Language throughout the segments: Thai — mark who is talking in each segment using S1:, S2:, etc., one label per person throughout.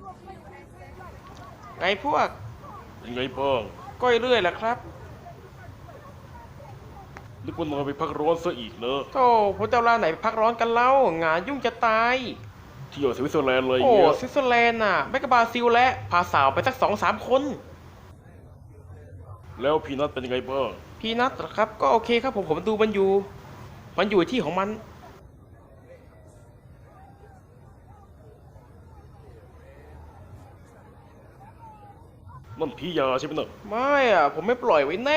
S1: ไงพวก
S2: เป็นไงบ้าง
S1: ก้อยเรื่อยแหละครับ
S2: นึกว่านอนไปพักร้อนซะอีกเนอะ
S1: โธ่พวกเจ้าล่าไหนพักร้อนกันเล่างานยุ่งจะตาย
S2: เที่ยวสวิตเซอร์แลนด์อะไร
S1: โอ้
S2: เงี้ย
S1: สวิตเซอร์แลนด์น่ะไม่กบาซิลและพาสาวไปสัก2-3 คน
S2: แล้วพีนัทเป็นยังไงบ้าง
S1: พี่นัทเหรอครับก็โอเคครับผมดูมันอยู่ที่ของมัน
S2: นั่นผียาใช่ไหมเนอะ
S1: ไม่อ่ะผมไม่ปล่อยไว้แน่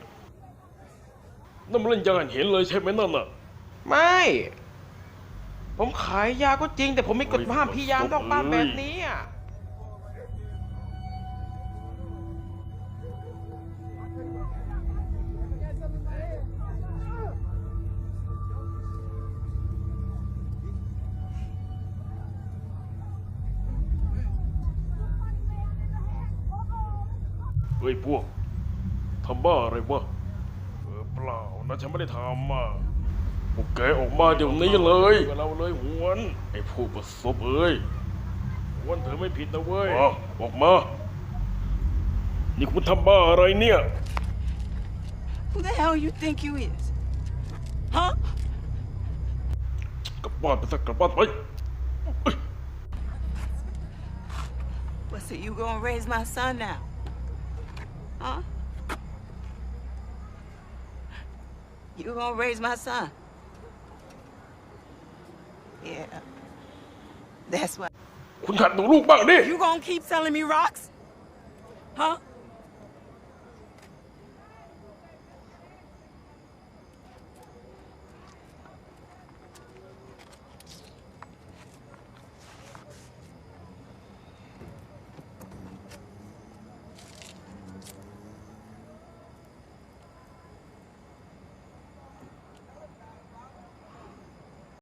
S2: นั่นมันเล่นยาเห็นเลยใช่ไหมนั่นน่ะ
S1: ไม่ผมขายยาก็จริงแต่ผมไม่กฎห้ามพี่ยามนอกบ้านแบบนี้อ่ะ
S2: เฮ้ยพวกทำบ้าอะไรวะเปล่านะฉันไม่ได้ทำอ่ะพวกแกออกมาเดี๋ยวนี้เลยเราเลยหวนไอ้พวกประสบเอ้ยหวนเธอไม่ผิดนะเว้ยออกมานี่คุณทำบ้าอะไรเนี่ย
S3: Who the hell you think you is? Huh?
S2: กลับบ้านไปสักกลับบ้านไป
S3: What, so you gonna raise my son now? Huh? You gonna raise my son? Yeah. That's what.
S2: คุณหัดดูลูกบ้างดิ
S3: You gonna keep selling me rocks? Huh?